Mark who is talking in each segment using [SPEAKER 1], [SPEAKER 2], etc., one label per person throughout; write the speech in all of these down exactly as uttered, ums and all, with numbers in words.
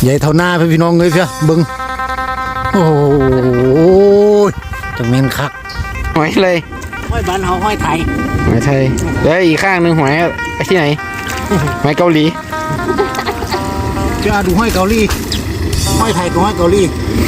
[SPEAKER 1] ใหญ่เท่าหน้าพี่น้องเลยเพียบึงโอ้ยจะเมนคัก
[SPEAKER 2] หอยเลย
[SPEAKER 1] ห้อยบ้านเฮาห้อยไทย
[SPEAKER 2] หอยไทยแล้วอีกข้างหนึ่งหอยไปที่ไหนหอยเกาหลี
[SPEAKER 1] จะดูห้อยเกาหลีห้อยไทยกับห้อยเกาหลี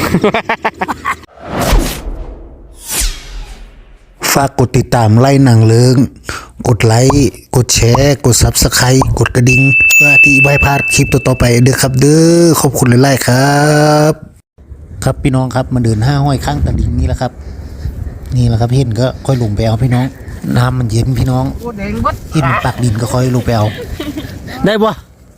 [SPEAKER 1] ฝากกดติดตามไล่หนังเลิงกดไลค์กดแชร์กดซับสไครต์กดกระดิ่งเพื่อที่ไม่พลาดคลิปต่อๆไปเด้อครับเด้อขอบคุณหลายๆครับครับพี่น้องครับมาเดินห้าห้อยข้างตะลิ่งนี่แหละครับนี่แหละครับเห็นก็ค่อยลงไปเอาพี่น้องน้ำมันเย็นพี่น้องเห็นปากดินก็ค่อยลงไปเอาได้ปะ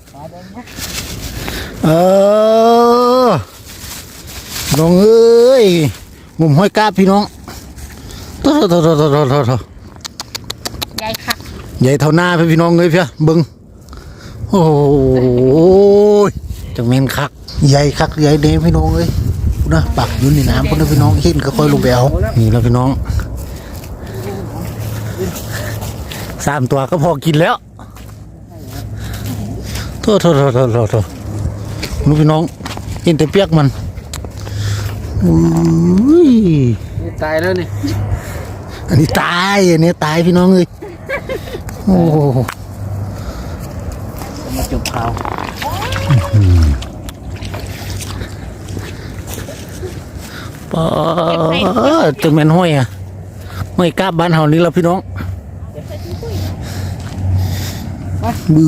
[SPEAKER 1] เออน้องเอ้ยงมห้อยกาบพี่น้องโถ่โถ่โถ่โถ่โถ่โถ่โถ่
[SPEAKER 3] ใหญ่ค่ะ
[SPEAKER 1] ใหญ่เท่าหน้าพี่น้องเลยเพียบึงโอ้ยจังเมนคักใหญ่คักใหญ่เด้พี่น้องเลยนะปักอยู่ในน้ำพวกนั้นพี่น้องเห็นก็ค่อยลงไปเอานี่แล้วพี่น้องสามตัวก็พอกินแล้วโถ่โถ่โถ่โถ่โถ่โถ่นู้พี่น้องเห็นแต่เปียกมันอุ้ย
[SPEAKER 2] ตายแล้วนี่
[SPEAKER 1] อันนี้ตายอันนี้ตายพี่น้องเลยโอ้
[SPEAKER 2] มาจบข่าว
[SPEAKER 1] ป้าจะแม่นห้อยอ่ะห้อยกาบบ้านเฮานี่แล้วพี่น้องบื้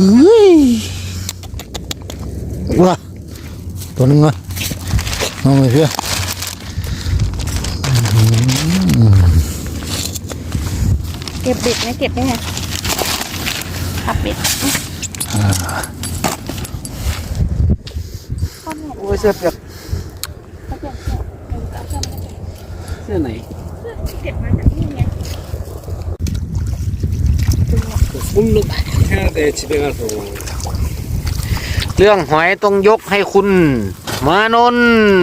[SPEAKER 1] อว้าตัวนึงอ่ะน้องเลยเพื่อ
[SPEAKER 3] เก็บเบ็ดไหมเก็บได้ไงขับเบ็ด
[SPEAKER 2] โอ้ยเสื้อเปียกเสื้อไหน
[SPEAKER 3] เก็บมาจากนี่ไง
[SPEAKER 2] เรื่องหอยต้องยกให้คุณมานน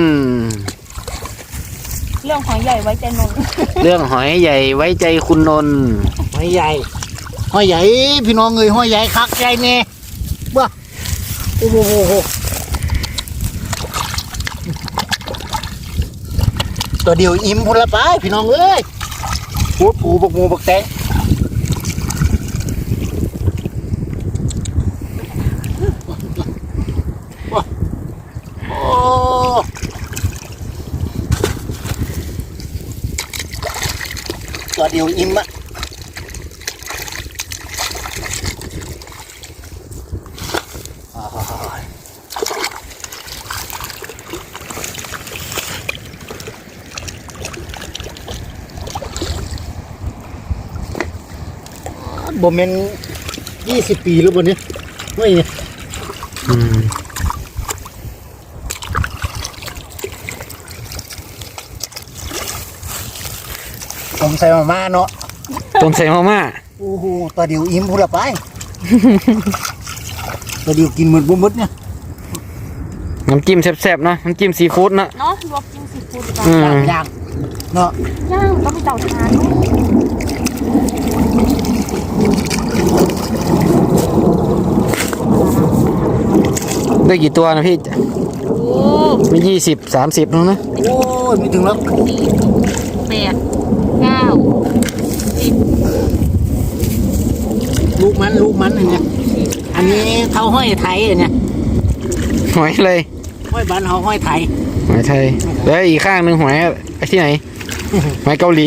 [SPEAKER 3] เรื่องหอยใหญ่ไว้ใจนน
[SPEAKER 2] เรื่องหอยใหญ่ไว้ใจคุณนน
[SPEAKER 1] หอยใหญ่หอยใหญ่พี่น้องเอ้ยหอยใหญ่คักใหญ่แน่บ้าโอ้โหตัวเดียวอิ่มพุ่นละไปพี่น้องเอ้ยปูปูบักมูบักแตงโอ้ตัวเดียวอิ่มอะบ่แม่นยี่สิบปีแล้วบ่เนี่ยไม่เนี่ยอืมต้มใส่มาม่าเนาะ
[SPEAKER 2] ต้มใส่มาม่า
[SPEAKER 1] โอ้โหตัวเดียวอิ่มพูดละไปตัวเดียวกินหมดบ่หมดเนี่ย
[SPEAKER 2] น้ำจิ้มแซ่บๆเนาะน้ำจิ้มซีฟู้ดเนาะ
[SPEAKER 3] เนาะลวกจิ้มซีฟู้ด
[SPEAKER 1] ย่างเนาะ
[SPEAKER 3] ย่างก็มีเตาถ่าน
[SPEAKER 2] ได้กี่ตัวนะพี่
[SPEAKER 3] โอ้
[SPEAKER 2] มียี่สิบสามสิบนึงนะ
[SPEAKER 1] โอ้ยไม่ถึงแล้ว
[SPEAKER 3] แปดเก้าสิบ
[SPEAKER 1] ลูกมันลูกมันเนี่ยอันนี้เท่าห้อยไทยเนี่ย
[SPEAKER 2] หอยเลย
[SPEAKER 1] ห้อยบ้านเฮาห้อยไทย
[SPEAKER 2] หอยไทยแล้วอีกข้างหนึ่งหอยไปที่ไหนหอยเกาหลี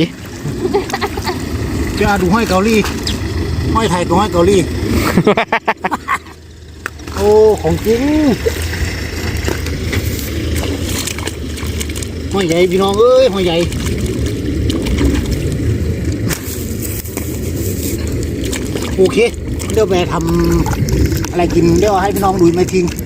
[SPEAKER 1] จะดูห้อยเกาหลีห้อยไทยกับห้อยเกาหลีโอ้ของจริงห้อยใหญ่พี่น้องเอ้ยห้อยใหญ่โอเคเดี๋ยวไปทำอะไรกินเดี๋ยวให้พี่น้องดูไม่ทิ้ง